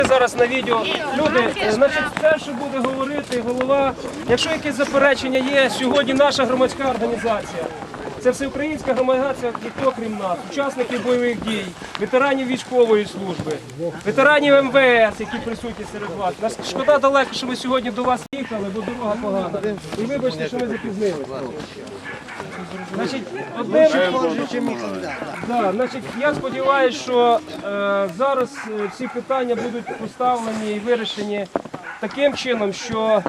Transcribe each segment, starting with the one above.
Зараз на відео. Люди, значить, те, що буде говорити голова, якщо якесь заперечення є, сьогодні наша громадська організація, це всеукраїнська громадська, ніхто крім нас, учасників бойових дій, ветеранів військової служби, ветеранів МВС, які присутні серед вас. Нас шкода далеко, що ми сьогодні до вас їхали, бо дорога погана. І вибачте, що ми запізнилися. Значить, я сподіваюся, що зараз всі питання будуть поставлені і вирішені таким чином, що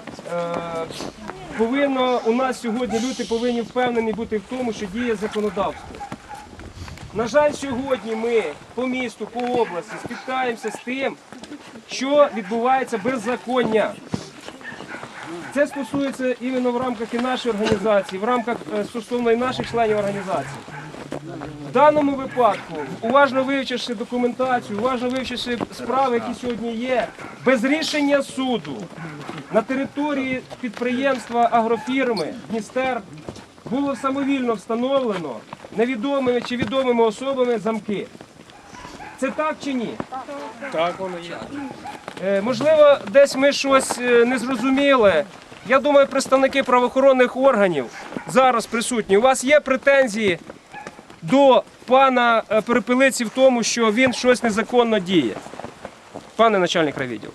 у нас сьогодні люди повинні впевнені бути в тому, що діє законодавство. На жаль, сьогодні ми по місту, по області стикаємося з тим, що відбувається беззаконня. Це стосується іменно в рамках і нашої організації, в рамках стосовно і наших членів організації. В даному випадку, уважно вивчивши документацію, уважно вивчивши справи, які сьогодні є, без рішення суду на території підприємства агрофірми Дністер було самовільно встановлено невідомими чи відомими особами замки. Це так чи ні? Так, воно є. Можливо, десь ми щось не зрозуміли. Я думаю, представники правоохоронних органів зараз присутні. У вас є претензії до пана Перепелиці в тому, що він щось незаконно діє? Пане начальник райвідділу.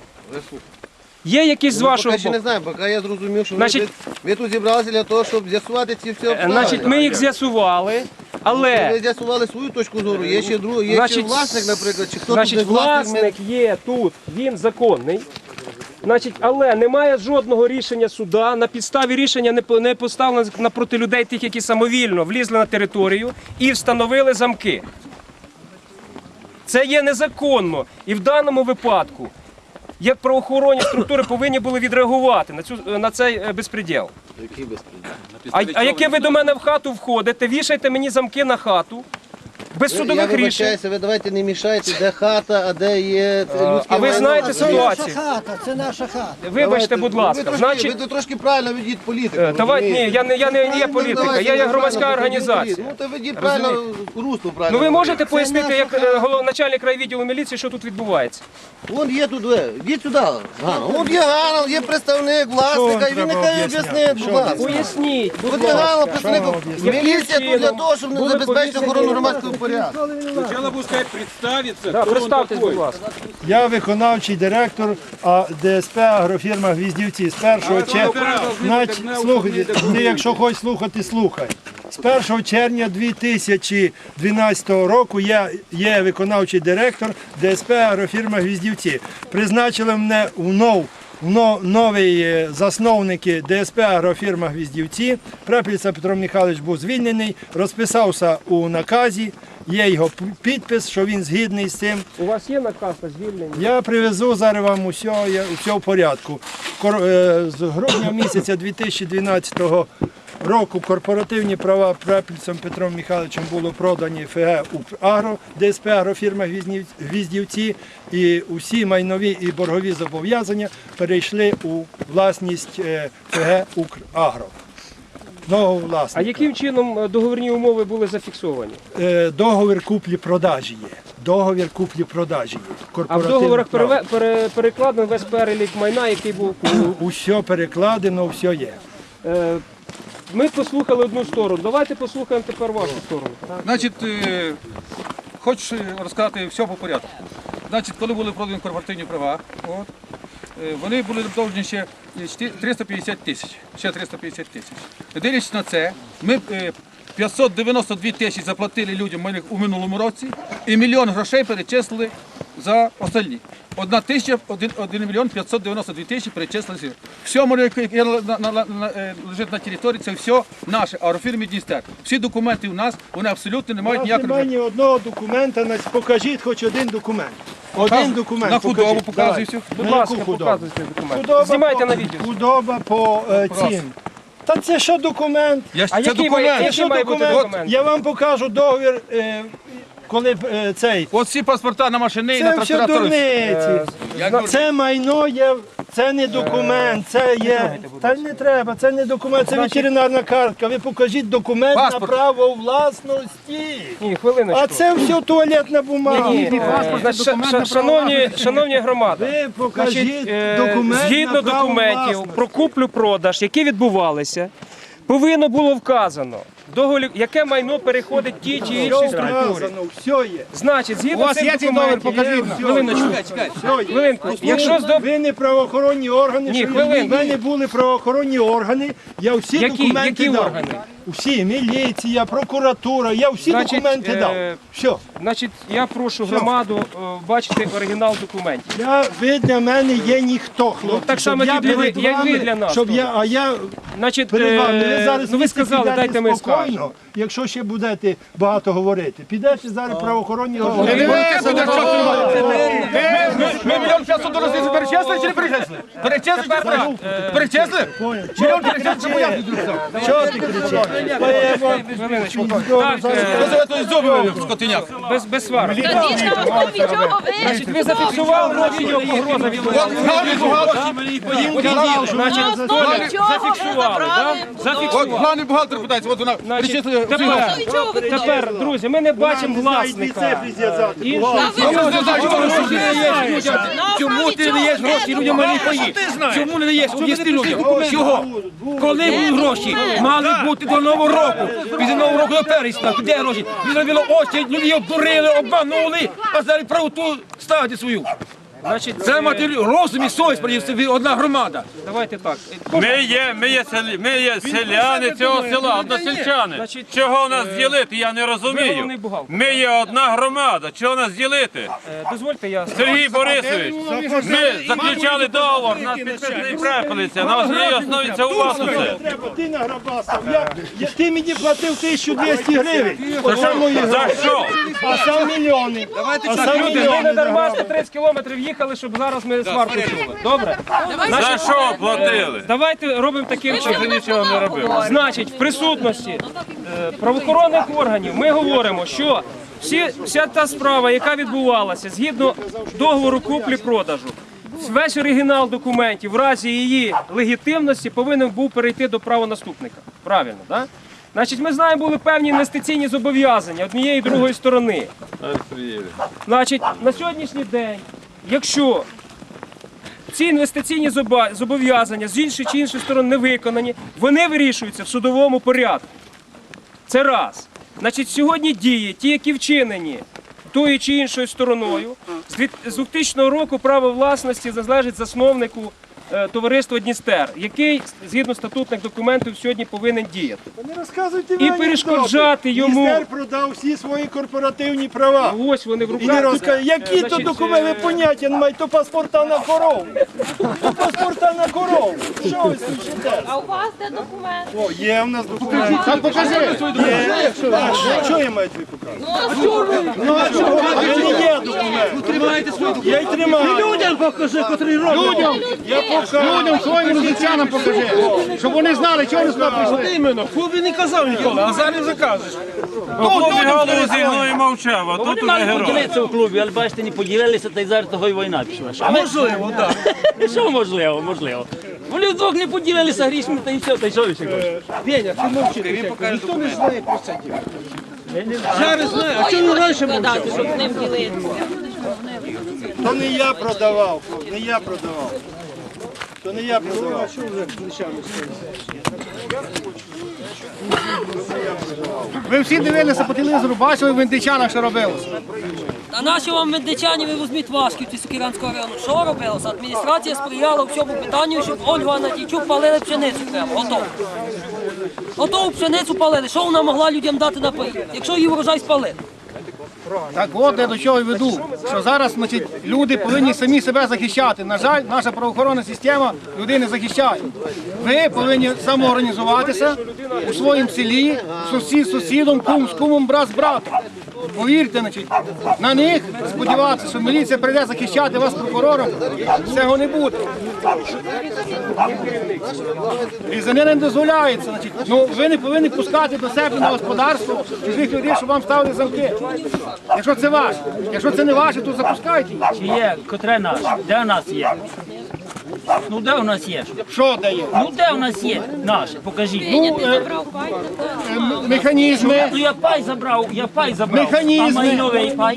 Є якісь з вашого боку? Я ще не знаю, поки я зрозумів, що ви тут зібралися для того, щоб з'ясувати ці всі обставини. Значить, ми їх з'ясували, але... Ви з'ясували свою точку зору, є ще другий, є ще власник, наприклад, чи хто тут не власник є тут, він законний. Значить, але немає жодного рішення суда, на підставі рішення не поставлено напроти людей тих, які самовільно влізли на територію і встановили замки. Це є незаконно. І в даному випадку, як правоохоронні структури повинні були відреагувати на цей безпреділ. Який безпреділ? А яке ви до мене в хату входите, вішаєте мені замки на хату? Без судових рішень. Ви давайте не мішайте, де хата, а де є людське майно. А ви знаєте ситуацію? Це наша хата, це наша хата. Вибачте, будь ласка. Ви трошки правильно ведіть політику. Давайте, ні, я не є політика, я є громадська організація. Ну, то ведіть правильно, русло правильно. Ну ви можете пояснити, як начальник райвідділу міліції, що тут відбувається? Вон є тут, йдіть сюди, Ганна. Вон є Ганна, є представник власника, і він нехай об'яснить, будь ласка. Поясніть, будь От є ласка. Ганна, представник. Міліція тут для того, щоб не забезпечити охорону громадського порядку. Сначала будешь сказать, представиться, Да, кто он представтесь, такой. будь ласка. Я виконавчий директор ДСП агрофірма «Гвіздівці» з 1 червня. Слухайте, ти якщо хочеш слухати, слухай. З 1 червня 2012 року я є виконавчий директор ДСП агрофірма «Гвіздівці». Призначили мене новий засновники ДСП агрофірма «Гвіздівці». Препельця Петро Михайлович був звільнений, розписався у наказі, є його підпис, що він згідний з цим. У вас є наказ на звільнення? Я привезу зараз вам усе в порядку. З грудня місяця 2012 року корпоративні права Препельцем Петром Михайловичем було продані ФГ «Украгро», ДСП агрофірма «Гвіздівці», і усі майнові і боргові зобов'язання перейшли у власність ФГ «Украгро». Нового власника. А яким чином договірні умови були зафіксовані? Договір куплі-продажі є. Договір куплі-продажі є. А в договорах перекладено весь перелік майна, який був куплений? Усе перекладено, все є. Ми послухали одну сторону. Давайте послухаємо тепер вашу сторону. Значить, хочу розказати все по порядку. Значить, коли були продані корпоративні права, вони були довжні ще 350 тисяч. Ще 350 тисяч. Дивлячись на це, ми 592 тисячі заплатили людям у минулому році і 1 мільйон грошей перечислили за остальні. 1 мільйон 592 тисячі перечислили. Все, яке лежить на території, це все наше, агрофірмі Дністер. Всі документи у нас, вони абсолютно не мають ніякого... Немає ні одного документа, покажіть хоч один документ. Один документ на худобу покажіть. показуй все. Будь На ласка, яку худобу? показуйте документи. Знімайте на відео. Худоба по цін. Та це що документ? А Це який документ. має бути документ? Я вам покажу договір коли цей. От всі паспорта на машини і на Це все трактора. дурниці. Це майно є, це не документ, це є. Та не треба, це не документ, це ветеринарна картка. Ви покажіть документ на Паспорт. право власності. Ні, хвилиночку. А це все туалетна бумага. Шановні громади, Ви покажіть значить, документ згідно на право документів власності. про куплю-продаж, які відбувалися, повинно було вказано, яке майно переходить тій чи іншій Все структурі. вказано, все є. Значить, згідно вас цих є цей договір? документів, Покажіть нам. хвилиночку, хвилинку, якщо Ви не правоохоронні органи, Ні, що хвилинку. в мене були правоохоронні органи, я всі документи які дав. органи? Всі, міліція, прокуратура, я всі Значить, документи дав. Все. Значить, я прошу громаду бачити оригінал документів. Ви для мене є ніхто, хлопці. так щоб само, я як і ви- перед як ви вами, для нас, щоб я, а я Значить, перед вами. Ви зараз ну ви сказали, підете дайте ми скажемо. спокійно, якщо ще будете багато говорити. Підете зараз правоохоронні органи. Ми мільйон часу до розвідки перечесли чи не перечесли? Перечесли чи не перечесли? Мільйон перечесли, чому я Що ти кричиш? Хвилиночку. Так, той зуби скотиняк. без сварок. Звісно, ви нічого Значить, ви зафіксували відео погроза від Значить, зафіксували, так? От Зафіксували. главний бухгалтер питається, от вона Значить, перечислила. тепер, друзі, ми не бачимо власника. Чому ти не даєш гроші людям малі паї? Чому не даєш? Об'ясни людям. Чого? Коли будуть гроші? Мали бути до Нового року. Після Нового року до пересна. Де гроші? Ви зробили очі, люди її обдурили, обманули, а зараз правоту ставите свою. Значить, Це мати розум і совість, ви одна громада. давайте так. Ми є селяни цього села, односельчани. Значить, Чого нас ділити, я не ви розумію. головний бухгалтер. Ми є одна громада, чого нас ділити? Дозвольте, я... Сергій Борисович, ми заключали договор, нас підписаний препелиця, на основі основі це у вас усе. Треба, ти награбастав. Ти мені платив 1200 гривень. Оце мої За гроші. що? А сам мільйони. А сам Люди, ми не мільйони. дарма 130 кілометрів їхали, щоб зараз ми сварку чули. Добре? За що платили? Давайте робимо таким чином. Ти нічого не робив. Значить, в присутності правоохоронних органів ми говоримо, що вся та справа, яка відбувалася згідно договору куплі-продажу, весь оригінал документів в разі її легітимності повинен був перейти до правонаступника. Правильно, так? Значить, ми знаємо, були певні інвестиційні зобов'язання однієї і другої сторони. Значить, на сьогоднішній день, якщо ці інвестиційні зобов'язання з іншої чи іншої сторони не виконані, вони вирішуються в судовому порядку. Це раз. Значить, сьогодні дії, ті, які вчинені тою чи іншою стороною, з 2000 року право власності належить засновнику товариства Дністер, який, згідно статутних документів, сьогодні повинен діяти. Не розказуйте І мені перешкоджати анекдоти. йому. Дністер продав всі свої корпоративні права. Ось вони в І не руках. розказує, які то Значить, документи, ви поняття не маєте, то паспорта на корову. То паспорта на корову. Що ви смішите? А у вас де документ? О, є в нас документи. Так покажи. Є. Що я маю тобі показати? Ну а чого? А не є документ. Тримайте свою. Я й тримаю. Людям покажи, котрий робить. Я покажу. Людям своїм життям покажи. Щоб вони знали, чого вони сюди прийшли. Іменно. Хлопці не казав ніколи, а зараз вже кажеш. Хлопці голову зігнув і мовчав, а тут Вони уже мали герой. поділитися у клубі, але бачите, не поділилися, та й зараз того й війна пішла. Можливо, так. Що можливо, можливо. Вони вдвох не поділилися грішми, та й все, та й що ви ще хочете? Пеня, ти мовчи. Ніхто не знає про це діло. Зараз знає, а чому раніше мовчав? Щоб з ним ділитися. То не я продавав, не я продавав. То не я продавав. Ви всі дивилися по телевізору, бачили в Вінничанах, що робилося. А наші вам медичані ви візьміть Вашківці Сокирянського району. Що робилося? Адміністрація сприяла всьому питанню, щоб Ольгу Анатійчук палили пшеницю прямо. Готово. Готову пшеницю палили. Що вона могла людям дати на паї, якщо її врожай спалити? Так от я до чого й веду, що зараз значить, люди повинні самі себе захищати. На жаль, наша правоохоронна система людей не захищає. Ви повинні самоорганізуватися у своєму селі, сусід з сусідом, кум з кумом, брат з братом. повірте, значить, на них сподіватися, що міліція прийде захищати вас прокурором, цього не буде. І за ним не дозволяється. Значить, ну, ви не повинні пускати до себе на господарство чужих людей, щоб вам ставили замки. Якщо це ваше. Якщо це не ваше, то запускайте їх. Чи є, котре наше? Де у нас є? Ну де у нас є? Що дає? Ну де у нас є наше? Покажіть. Механізми. Ну я пай забрав. Механізми. А майновий пай?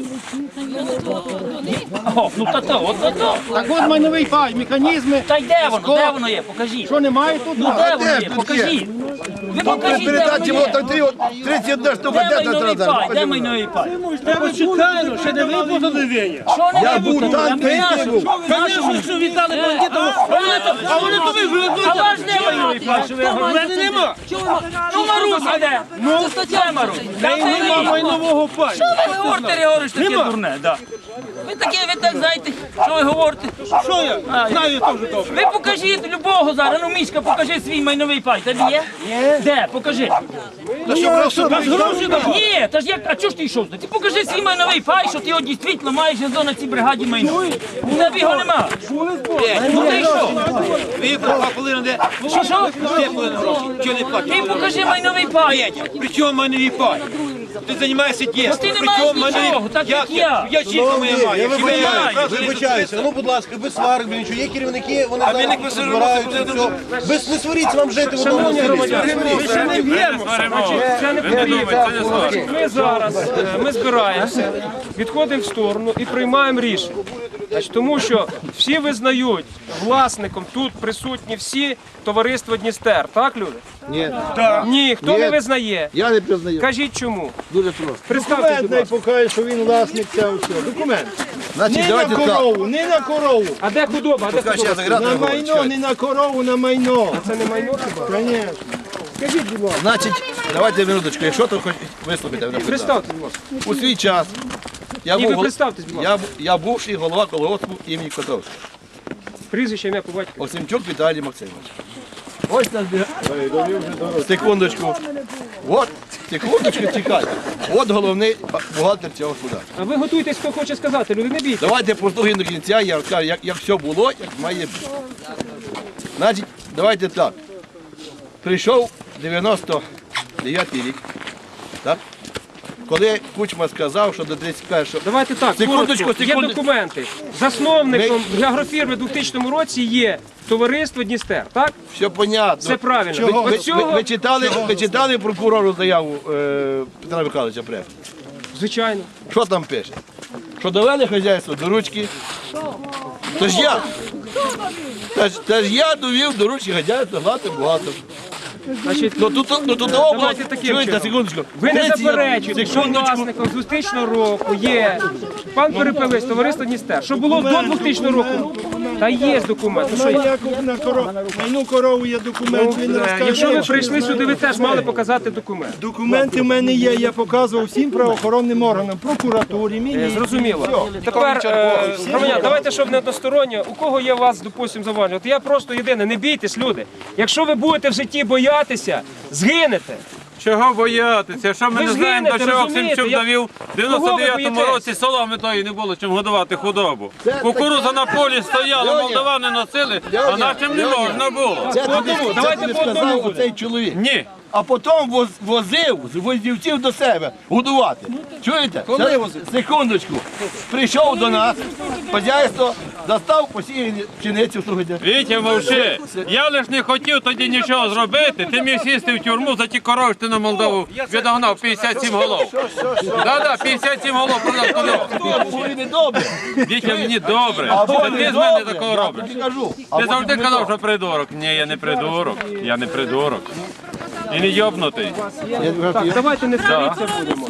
О, ну то. Так от майновий пай, механізми. Та й де воно? Де воно є? Покажіть. Що немає тут? Ну де воно є? Покажіть. Ви покажіть, де воно є. 31 штука, Де майновий пай? Де майновий пай? Ще не виплатили. Що не Я був виплатили? там, А ми нашу. був. Нашу віддали бандитам. А вони то виплатили. А ваш не майновий пай? У мене нема. Ну Маруся де? Це стаття Маруся. Нема майнового паю. Що ви говорите, Григорич, таке дурне? Ви таке, ви так знаєте, що ви говорите? Що я? Знаю теж добре. Ви покажіть любого зараз, ну Мішка, покажи свій майновий пай. Тобі є? Є. Де? Покажи. Ні, та ж як, а чого ж ти йшов? Ти покажи свій майновий пай, що ти його дійсно маєш на цій бригаді майно. У тебе його нема. Ну ти що? Ви половина де? Що? Ти половина гроші. Чого не платить? Ти покажи майновий пай. При чому майновий пай? Ти займаєшся дійсно. Ти не маєш нічого, так як я. Я чітко моє маю. Вибачаюся, ну будь ласка, без сварок, без нічого. Є керівники, вони зараз збираються, все. Без не сваріться вам жити в одному селі. Це не потрібно. Ми зараз ми збираємося, відходимо в сторону і приймаємо рішення. Значить, тому що всі визнають власником тут присутні всі товариства Дністер. Так, люди? Ні, Ні, хто Ні. не визнає? я не признаю. Кажіть чому. Дуже просто. Представте, Документ будь не ласка. покаже, що він власник цього всього. Документ. Значить, Не на давайте так. корову, не на корову. А де худоба? А де Поки ще худоба? заграти На не майно, говорить. не на корову, на майно. Це не майно хіба? Звісно. Скажіть, будь ласка. Значить, давайте минуточку, якщо то хоч вислухайте мене. Представте, будь ласка. У свій час я І ви був, представтесь, будь ласка. я бувший голова колгоспу імені Котовського. Прізвище, ім'я по батькові. Оксимчук Віталій Максимович. Ось нас секундочку. От, секундочку, чекайте. От головний бухгалтер цього суда. А ви готуйтесь, хто хоче сказати, люди, не бійтесь. Давайте послухаємо до кінця, я розкажу, як все було, як має бути. Значить, давайте так. Прийшов 99-й рік, так? Коли Кучма сказав, що до 31-го... Давайте так, Секундочку, коротко. Є секундочку. документи. Засновником агрофірми у 2000 році є товариство Дністер, так? Все понятно. Все правильно. Чого? От цього, Ви читали прокурору заяву Петра Михайловича Префа? звичайно. Що там пише? Що довели хазяйство до ручки? Тож я. Тож я довів до ручки хазяйство, гладко багато. Значить, Ну тут того було, давайте таким чуєте, чином. секундочку. Ви не 30 заперечуєте, що секундочку. власником з 2000 року є пан Перепелець, товариство Дністер. Що було до 2000 року? Та є документ. Ну, що є? Яков на корову. Майну корову є документ, він розкаже. Якщо ви прийшли сюди, ви теж мали показати документ. Документи в мене є, я показував всім правоохоронним органам, прокуратурі, міліції. Зрозуміло. Тепер, громадяни, давайте, щоб не односторонньо. У кого є у вас, допустимо, заваження? От я просто єдине, не бійтесь, люди. Якщо ви будете в житті боятися, згинете. Чого боятися? Що ми Ви не знаємо, згинете, до чого розумієте? Оксимчук Я- довів в Кого ви 99-му боїтесь? році соломи тої не було чим годувати худобу. Кукуруза на полі стояла, молдавани носили, а нашим не можна було. Це тобі давайте по одному сказав буде. оцей чоловік. Ні. А потім возив з воздівців до себе годувати. Чуєте? Коли возив? Секундочку. Прийшов до нас, хазяйство, достав посіяні пшеницю, слухайте. Вітя, мовчи. Я лиш не хотів тоді нічого зробити. Ти міг сісти в тюрму за ті корови, що ти на Молдову відогнав 57 голов. Да, 57 голов продав туди. Були недобре. Вітя, мені добре. А Це вони ти з мене добре, такого я робиш. тобі кажу. Ти завжди казав, що придурок. Ні, я не придурок. Я не придурок. І не йобнутий. Так, давайте не сваріться будемо.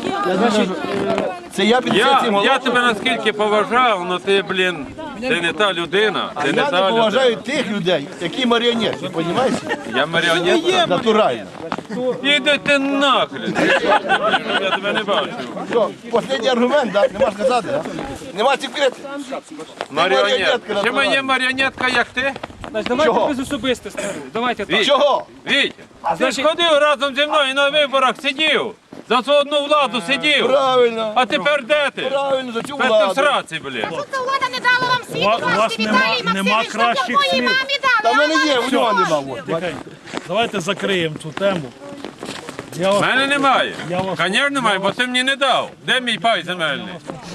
Це я 57 голов. Я тебе наскільки поважав, але ти, блін, ти не та людина. Ти не Я не та поважаю людина. тих людей, які маріонетки, розумієш? Я маріонетка. Натурально. Іди ти нахрен. Я тебе не бачу. Що, останній аргумент, да? Нема сказати, да? Нема секрету. Маріонетка. Чи моя маріонетка, як ти? Значить, давайте Чого? без особистості. Давайте так. Вітя. Чого? Вітя, ти ж ходив разом зі мною на виборах, сидів. За цю одну владу сидів. Правильно. А тепер де ти? Правильно, за цю Тепер ти в владу. сраці, блін. Ця влада не дала вам світ, У вас нема кращих моїй слів. мамі Та дали. в мене є, у нього нема. от. Тихенько. Давайте закриємо цю тему. Я У вас мене немає. Я вас- Звісно, немає, бо ти мені не дав. Де мій пай земельний?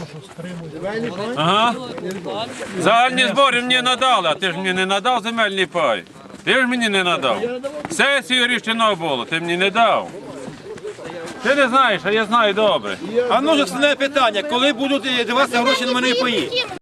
Ага. Загальні збори мені надали, а ти ж мені не надав земельний пай. Ти ж мені не надав. Сесію рішено було, ти мені не дав. Ти не знаєш, а я знаю добре. А ну ж основне питання, коли будуть даватися гроші на мене паї?